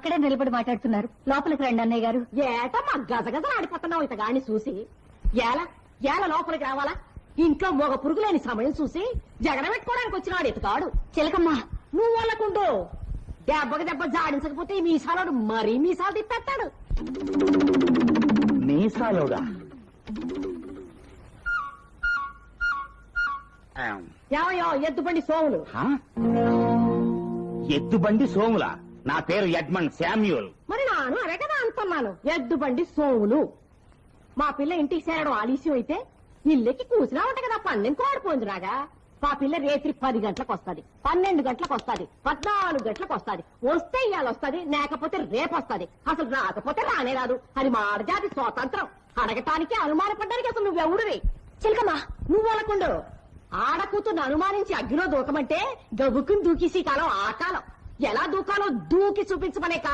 అక్కడే నిలబడి మాట్లాడుతున్నారు. లోపలికి రండి అన్నయ్య గారు. ఏటమ్మా గజగజ ఆడిపోతున్నావు ఇతగాని చూసి? ఏల లోపలికి రావాలా? ఇంట్లో మగ పురుగులేని సమయం చూసి జగడ పెట్టుకోవడానికి వచ్చినాడు ఇతగాడు. చిలకమ్మ, నువ్వు వాళ్ళకుంటూ దెబ్బకి దెబ్బ జాడించకపోతే ఈ మీసాలోడు మరీ మీసాలు తిప్పేస్తాడు. మీసాలోడా? ఏమయ్యో ఎద్దుబండి సోములు. ఎద్దుబండి సోముల? నా పేరు ఎడ్మండ్ శామ్యూల్. మరి నాను అదే కదా అంటున్నాను, ఎద్దుబండి సోములు. మా పిల్ల ఇంటికి చేరడం ఆలస్యం అయితే ఇల్లెక్కి కూసినా ఉంట కదా పందెం కోడిపోయిందిరాగా. మా పిల్ల రేత్రి 10 గంటలకు వస్తుంది, 12 గంటలకు వస్తుంది, 14 గంటలకు వస్తుంది. వస్తే ఇవాళ వస్తుంది, లేకపోతే రేపు వస్తుంది. అసలు రాకపోతే రానే రాదు. అది మాడజాతి స్వాతంత్రం. అడగటానికి అనుమానపడ్డానికి అసలు నువ్వెవడివి? చిలకమ్మ, నువ్వు అనకుండు. ఆడకూతుర్ని అనుమానించి అగ్గిలో దూకమంటే గబుక్కుని దూకేసి కాలం ఆ కాలం. ఎలా దూకాలో దూకి చూపించమనే